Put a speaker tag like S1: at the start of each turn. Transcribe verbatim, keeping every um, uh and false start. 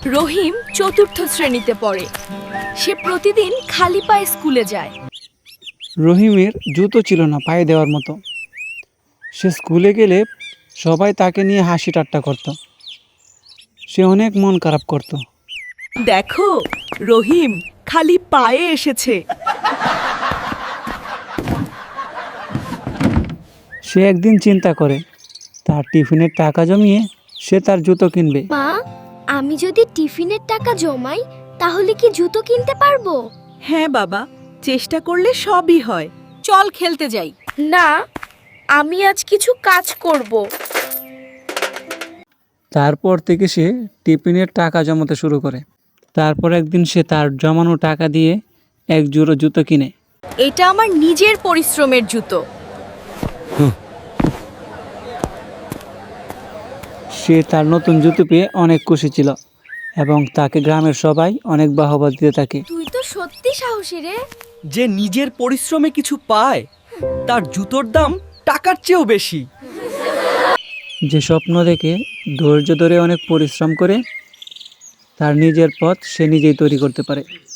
S1: রহিম চতুর্থ শ্রেণীতে পড়ে। সে প্রতিদিন খালি পায়ে স্কুলে যায়।
S2: রহিমের জুতো ছিল না পায়ে দেওয়ার মতো। সে স্কুলে গেলে সবাই তাকে নিয়ে হাসি ঠাট্টা করত। সে অনেক মন খারাপ করত।
S3: দেখো, রহিম খালি পায়ে এসেছে।
S2: সে একদিন চিন্তা করে তার টিফিনের টাকা জমিয়ে সে তার জুতো কিনবে।
S4: মা, আমি যদি টিফিনের টাকা জমাই তাহলে কি জুতো কিনতে পারবো?
S3: হ্যাঁ বাবা, চেষ্টা করলে সবই হয়।
S1: চল খেলতে যাই।
S4: না, আমি আজ কিছু কাজ করব।
S2: তারপর থেকে সে টিফিনের টাকা জমাতে শুরু করে। তারপর একদিন সে তার জমানো টাকা দিয়ে এক জোড়া জুতো কিনে।
S1: এটা আমার নিজের পরিশ্রমের জুতো।
S2: সে তার নতুন জুতো পেয়ে অনেক খুশি ছিল এবং তাকে গ্রামের সবাই অনেক বাহবা দিতে থাকে।
S4: তুই তো সত্যি সাহসী রে।
S5: যে নিজের পরিশ্রমে কিছু পায় তার জুতোর দাম টাকার চেয়েও বেশি।
S2: যে স্বপ্ন দেখে ধৈর্য ধরে অনেক পরিশ্রম করে তার নিজের পথ সে নিজেই তৈরি করতে পারে।